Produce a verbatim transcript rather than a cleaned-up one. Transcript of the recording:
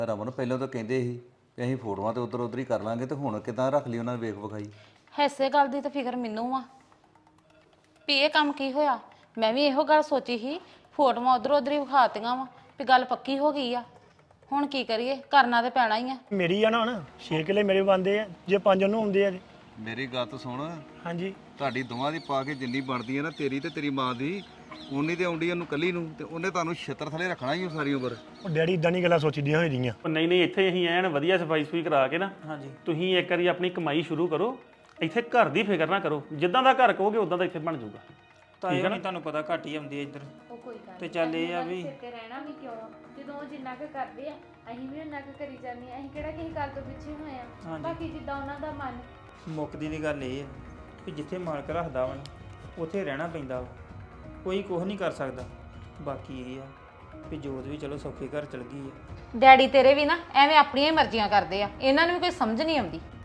ਰਮਨ ਪਹਿਲਾਂ ਤਾਂ ਕਹਿੰਦੇ ਸੀ ਕਿ ਅਸੀਂ ਫੋਟੋਆਂ ਤੇ ਉਧਰ ਉਧਰ ਹੀ ਕਰ ਲਾਂਗੇ ਤੇ ਹੁਣ ਕਿਦਾਂ ਰੱਖ ਲਈ ਉਹਨਾਂ ਨੇ ਵੇਖ ਵਿਖਾਈ। ਐਸੇ ਗੱਲ ਦੀ ਤਾਂ ਫਿਕਰ ਮੈਨੂੰ ਆ ਵੀ ਇਹ ਕੰਮ ਕੀ ਹੋਇਆ। ਮੈਂ ਵੀ ਇਹੋ ਗੱਲ ਸੋਚੀ ਸੀ, ਫੋਟੋਆਂ ਉਧਰ ਉਧਰ ਹੀ ਵਿਖਾਤੀਆਂ ਵਾ ਵੀ ਗੱਲ ਪੱਕੀ ਹੋ ਗਈ ਆ। ਹੁਣ ਕੀ ਕਰੀਏ, ਕਰਨਾ ਤੇ ਪੈਣਾ ਹੀ ਆ। ਮੇਰੀ ਆ ਨਾ ਹੁਣ ਛੇ ਕਿੱਲੇ ਮੇਰੇ ਬੰਦੇ ਆ, ਜੇ ਪੰਜ ਉਹਨੂੰ ਆਉਂਦੇ ਆ। ਮੇਰੀ ਗੱਲ ਤਾਂ ਸੁਣ, ਹਾਂਜੀ ਤੁਹਾਡੀ ਦੋਵਾਂ ਦੀ ਪਾ ਕੇ ਜਿੰਨੀ ਬਣਦੀ ਹੈ ਨਾ, ਤੇਰੀ ਤੇ ਤੇਰੀ ਮਾਂ ਦੀ ਉਨੀ ਤੇ ਆਉਂਦੀ ਉਹਨੂੰ ਕੱਲੀ ਨੂੰ, ਤੇ ਉਹਨੇ ਤੁਹਾਨੂੰ ਛਿੱਤਰ ਥਲੇ ਰੱਖਣਾ ਹੀ ਸਾਰੀ ਉਮਰ। ਉਹ ਡੈਡੀ ਇਦਾਂ ਨਹੀਂ ਗੱਲਾਂ ਸੋਚੀਦੀਆਂ ਹੋਈ ਦੀਆਂ। ਉਹ ਨਹੀਂ ਨਹੀਂ ਇੱਥੇ ਅਸੀਂ ਐਨ ਵਧੀਆ ਸਫਾਈ ਸੁਈ ਕਰਾ ਕੇ ਨਾ, ਹਾਂਜੀ ਤੁਸੀਂ ਇੱਕ ਵਾਰੀ ਆਪਣੀ ਕਮਾਈ ਸ਼ੁਰੂ ਕਰੋ। ਇੱਥੇ ਘਰ ਦੀ ਫਿਕਰ ਨਾ ਕਰੋ, ਜਿੱਦਾਂ ਦਾ ਘਰ ਕਹੋਗੇ ਉਦਾਂ ਦਾ ਇੱਥੇ ਬਣ ਜਾਊਗਾ। ਤਾਂ ਇਹ ਨਹੀਂ ਤੁਹਾਨੂੰ ਪਤਾ ਘੱਟ ਹੀ ਆਉਂਦੀ ਹੈ ਇੱਧਰ। ਉਹ ਕੋਈ ਗੱਲ ਤੇ ਚੱਲ ਇਹ ਆ ਵੀ ਤੇ ਰਹਿਣਾ ਵੀ ਕਿਉਂ, ਜਦੋਂ ਉਹ ਜਿੰਨਾ ਕੁ ਕਰਦੇ ਆ ਅਸੀਂ ਵੀ ਉਹਨਾਂ ਕੁ ਕਰੀ ਜਾਂਦੇ ਆ। ਅਸੀਂ ਕਿਹੜਾ ਕਿਸੇ ਗੱਲ ਤੋਂ ਪਿੱਛੇ ਹੋਏ ਆ। ਬਾਕੀ ਜਿੱਦਾਂ ਉਹਨਾਂ ਦਾ ਮਨ। ਮੁੱਕਦੀ ਦੀ ਗੱਲ ਇਹ ਆ ਕਿ ਜਿੱਥੇ ਮਾਲਕ ਰੱਖਦਾ ਵਾ ਨਾ ਉੱਥੇ ਰਹਿਣਾ ਪੈਂਦਾ ਵਾ, ਕੋਈ ਕੁਝ ਨਹੀਂ ਕਰ ਸਕਦਾ। ਬਾਕੀ ਇਹ ਆ ਕਿ ਜੋਤ ਵੀ ਚਲੋ ਸੌਖੇ ਘਰ ਚਲ ਗਈ ਆ। ਡੈਡੀ ਤੇਰੇ ਵੀ ਨਾ ਐਵੇਂ ਆਪਣੀਆਂ ਹੀ ਮਰਜ਼ੀਆਂ ਕਰਦੇ ਆ, ਇਹਨਾਂ ਨੂੰ ਵੀ ਕੋਈ ਸਮਝ ਨਹੀਂ ਆਉਂਦੀ।